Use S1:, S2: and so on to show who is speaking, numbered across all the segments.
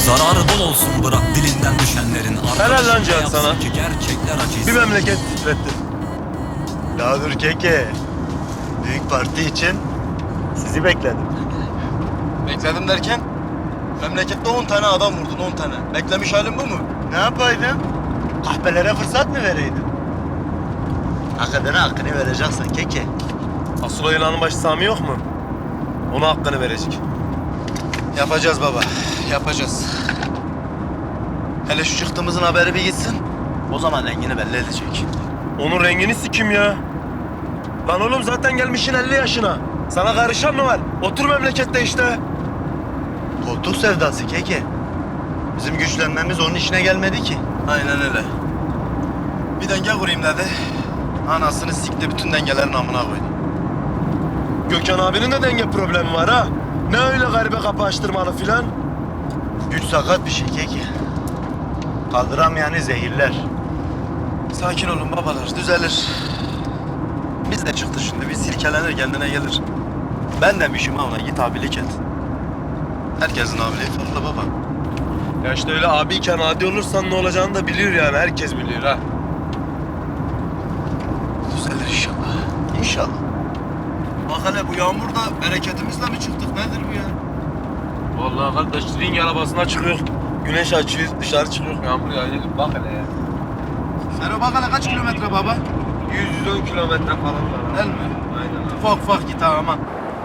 S1: Zararı bol olsun bırak dilinden düşenlerin.
S2: Helal lan Cihat
S1: yapsın
S2: sana.
S1: ki gerçekler acıysa.
S2: Bir memleket titretti.
S3: Ya dur keke. Büyük parti için sizi bekledim.
S4: Bekledim derken? Memlekette 10 tane adam vurdun, 10 tane. Beklemiş halin bu mu?
S3: Ne yapaydın? Kahpelere fırsat mı vereydin? Hak edene hakkını vereceksin keke.
S2: Asıl o yılanın başı Sami yok mu? Ona hakkını verecek.
S4: Yapacağız baba, yapacağız. Hele şu çıktığımızın haberi bir gitsin. O zaman rengini belli edecek.
S2: Onun rengini sikim ya. Lan oğlum zaten gelmişsin 50 yaşına. Sana karışan mı var? Otur memlekette işte.
S3: Koltuk sevdası keke. Bizim güçlenmemiz onun işine gelmedi ki.
S4: Aynen öyle. Bir denge kurayım dedi. Anasını sikti, bütün dengelerin amına koydu.
S2: Gökhan abinin de denge problemi var ha. Ne öyle garibe kapı açtırmalı filan.
S3: Güç sakat bir şey keke. Kaldıramayanı zehirler.
S4: Sakin olun babalar, düzelir. Biz de çıktı şimdi, bir silkelenir, kendine gelir. Ben demişim ha ona, git abilik et. Herkesin abiliği farklı baba.
S2: Ya işte öyle abiyken adi olursan ne olacağını da biliyor yani. Herkes biliyor ha.
S4: Düzelir inşallah.
S3: İnşallah.
S4: Bak hele bu yağmurda bereketimizle mi çıktık, nedir bu ya?
S2: Vallahi kardeş ring arabasına çıkıyor. Güneş açıyor, dışarı çıkıyor. Yağmur yağıyor. Bak hele ya.
S4: Sero bak hele kaç kilometre baba?
S2: 110 kilometre falan var.
S4: Değil mi?
S2: Aynen abi.
S4: Ufak ufak git ha aman.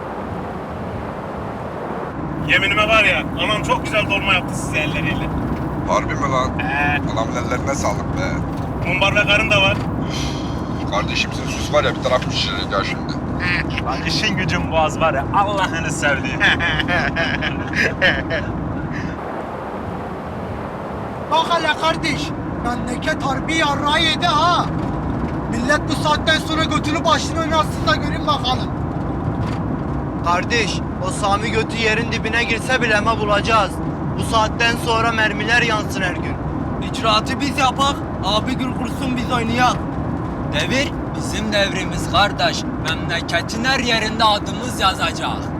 S5: Yeminime var ya, anam çok güzel dolma yaptı size elleriyle.
S6: Harbi mi lan? Adamın ellerine sağlık be.
S5: Mumbar ve karın da var.
S6: Kardeşim sen sus var ya bir taraf pişirir ya şimdi.
S5: Lan işin gücün boğaz var ya, Allah'ını sevdiğim.
S7: Bak hele kardeş, memleket harbi yarrağı yedi ha. Millet bu saatten sonra götünü başını oynatsın da görün bakalım.
S8: Kardeş, o Sami götü yerin dibine girse bile mi bulacağız? Bu saatten sonra mermiler yansın her gün.
S9: İcraatı biz yapak, abi gül kursun biz oynayak. Devir bizim devrimiz kardeş. Memleketin her yerinde adımız yazacak.